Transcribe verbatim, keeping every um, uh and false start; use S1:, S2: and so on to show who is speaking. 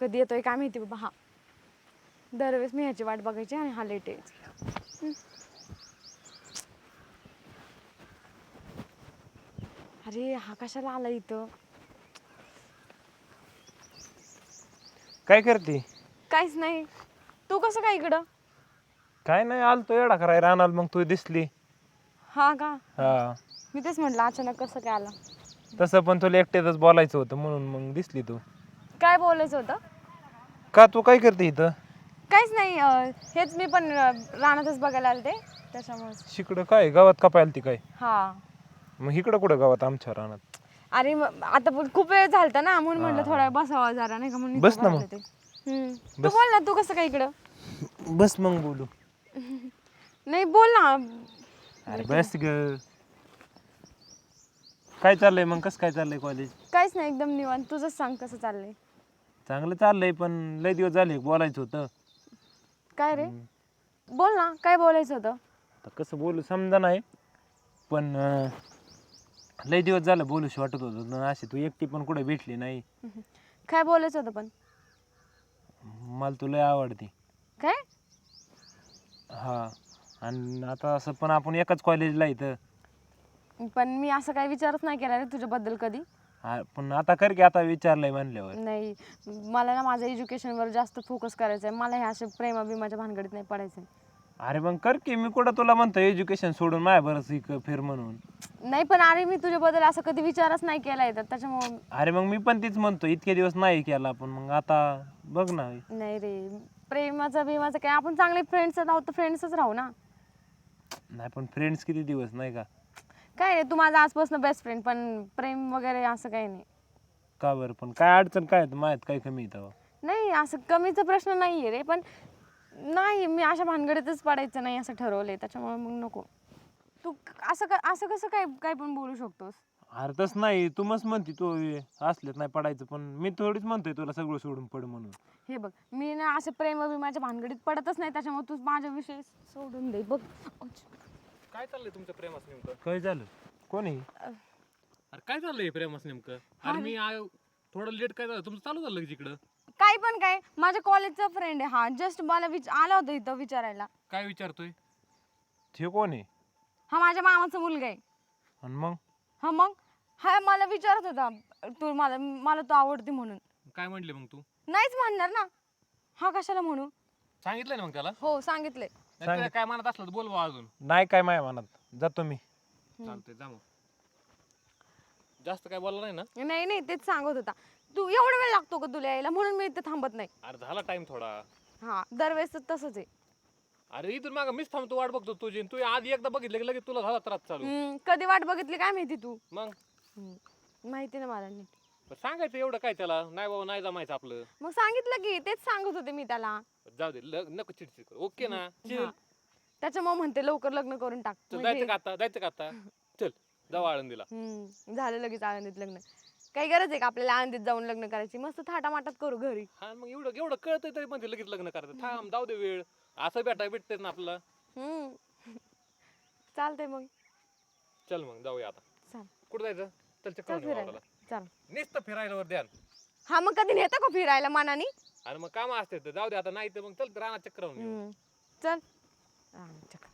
S1: कधी येतोय काय माहिती बाबा. हा दरवेळेस मी ह्याची वाट बघायची आणि हा लेट यायचा. अरे हा कशाला आला इथं?
S2: काय करते?
S1: काहीच नाही. तू कसं काय इकडं?
S2: काय नाही, आलतो येडा कराय राहणार, मग तू दिसली.
S1: हा का?
S2: हा.
S1: मी तेच म्हटलं अचानक कसं काय आला.
S2: तसं पण तुला एकट्यातच बोलायचं होतं म्हणून मग दिसली तू.
S1: काय बोलायचं होतं?
S2: का तू काय करते इथं?
S1: काहीच नाही, अं, हेच मी पण अं, रानातच बघायला आले ते त्याच्यामुळे.
S2: शिकडं काय गावात कापायला ती काय?
S1: हा.
S2: मग इकडं कुठं गावात आमच्या रानात?
S1: अरे मग आता पण खूप वेळ झालता ना म्हणून म्हटलं
S2: हा.
S1: थोडा बसावा जरा नाही का म्हणून इथं
S2: बस ना
S1: बघायला
S2: मग.
S1: ते. हम्म. तू
S2: बस.
S1: बोल ना, तू कसं काय इकडं?
S2: बस मग बोलू.
S1: नाही बोल ना.
S2: अरे बस ग. काय चाललंय मग, कसं काय चाललंय कॉलेज?
S1: काहीच नाही, एकदम निवांत. तुझंच सांग कसं चाललंय?
S2: चांगलं चाललंय, पण लय दिवस झाले बोलायचं होतं.
S1: काय रे? बोल ना, काय बोलायचं होतं?
S2: आता कसं बोलू समजा नाही, पण अं, लय दिवस झालं बोलूशी वाटत होतं. अशी तू एकटी पण कुठे भेटली नाही.
S1: काय बोलायचं होतं पण?
S2: मला तुला लय आवडते.
S1: काय?
S2: हा. आणि आता असं पण आपण एकाच कॉलेजला इथं.
S1: पण मी असं काही विचारच नाही केला रे तुझ्याबद्दल कधी.
S2: हा, पण आता कर की, आता विचारलंय म्हणल्यावर.
S1: नाही, मला ना माझ्या एज्युकेशनवर जास्त फोकस करायचा आहे. मला ह्या अशा प्रेमाभिमाच्या भानगडीत नाही पडायचं आहे.
S2: अरे मग कर की, मी कुठं तुला म्हणतो एज्युकेशन सोडून माझ्या बरंच इक फिर म्हणून.
S1: नाही पण अरे मी तुझ्याबद्दल असं कधी विचारच नाही केलाय तर त्याच्यामुळे.
S2: अरे मग मी पण तीच म्हणतो, इतके दिवस नाही केला, पण मग आता बघ ना.
S1: नाही रे, प्रेमाचं बिमाचं काय, आपण चांगले फ्रेंड्स आहोत तर फ्रेंड्सच राहू ना.
S2: नाही पण फ्रेंड्स किती दिवस नाही का?
S1: काय रे, तू माझा आजपासून बेस्ट फ्रेंड, पण प्रेम वगैरे असं काही नाही.
S2: का बरं? पण काय अडचण काय माझ्यात काय कमी येतं?
S1: नाही, असं कमीचा प्रश्न नाहीये रे, पण नाही मी अशा भानगडीतच पडायचं नाही असं ठरवलंय, त्याच्यामुळे मग नको. तू असं का असं कसं काय काय पण बोलू शकतोस?
S2: अरे तसं नाही, तू मस्त म्हणते तू असलेत नाही पडायचं, पण मी थोडीच म्हणतोय तुला सगळं सोडून पड म्हणून.
S1: हे बघ, मी ना असं प्रेम माझ्या भानगडीत पडतच नाही, त्याच्यामुळे तू माझ्या विषयी सोडून दे बघ.
S3: काय चाललंय तुमचं प्रेमास नेमकं?
S2: काय झालं? कोणी?
S3: अरे काय चाललंय प्रेमास नेमकं? अरे मी आय- थोडं लेट काय झालं तुमचं चालू झालं लगेच इकडं?
S1: काय पण काय, माझ्या कॉलेजचा फ्रेंड आहे हा, जस्ट मला विच आला होता इथं विचारायला.
S3: काय विचारतोय?
S2: ते कोण आहे?
S1: हा माझ्या मामाचा मुलगा आहे.
S2: आणि मग?
S1: हा मग हा मला विचारत होता, तू मला मला तू आवडते म्हणून.
S3: काय म्हणले मग तू?
S1: नाहीच म्हणणार ना, हा कशाला म्हणू.
S3: सांगितलं ना मग त्याला?
S1: हो सांगितलंय.
S3: नाही तुला काय म्हणत असलं तर बोल बुवा अजून.
S2: नाही काय माझ्या मनात, जातो मी.
S3: चालतंय जा मग. जास्त काय बोलला नाही ना?
S1: नाही नाही तेच सांगत होता. तू एवढा वेळ लागतो का तुला यायला, म्हणून मी इथे थांबत नाही.
S3: अरे झाला टाइम थोडा.
S1: हा दरवेळेस तसंच आहे.
S3: अरे इथून मागं मीच थांबतो वाट बघतो तुझी, तू आधी एकदा बघितलं की लगेच तुला झाला त्रास चालू.
S1: हम्म, कधी वाट बघितली काय माहिती तू.
S3: मग
S1: हम्म, माहिती ना मला नीट.
S3: पण सांगायचं एवढं काय त्याला, नाही बाबा नाही जमायचं आपलं.
S1: मग सांगितलं की, तेच सांगत होते मी त्याला.
S3: जाऊ दे ल- नको चिडचिड करू. ओके ना? चिल.
S1: हा. त्याच्यामुळे म्हणते लवकर लग्न करून टाक.
S3: चल
S1: म्हणजे-
S3: जायचं का आता? जायचं का आता? चल जाऊ आळंदीला.
S1: हम्म, झालं लगेच आनंदीत लग्न. काही गरज आहे का आपल्याला आनंदीत जाऊन लग्न करायची? मस्त थाटामाटात करू घरी.
S3: हा मग एवढं एवढं कळतंय तरी पण ते लगेच लग्न करायचं. थांब जाऊ दे वेळ. असं भेटाय भेटते ना आपल्याला.
S1: हम्म चालतंय मग.
S3: चल मग जाऊया आता.
S1: चाल
S3: कुठं जायचं? चल चक्कर
S1: चल
S3: मारून
S1: फिरायला.
S3: वावराला.
S1: चाल.
S3: नुसतं फिरायला वर ध्यान.
S1: हा मग कधी नेता का फिरायला मनानी?
S3: आणि मग काम असते तर जाऊ दे आता, नाही तर मग चल रानात चक्कर मारून येऊ.
S1: हम्म, चल. हा, चल.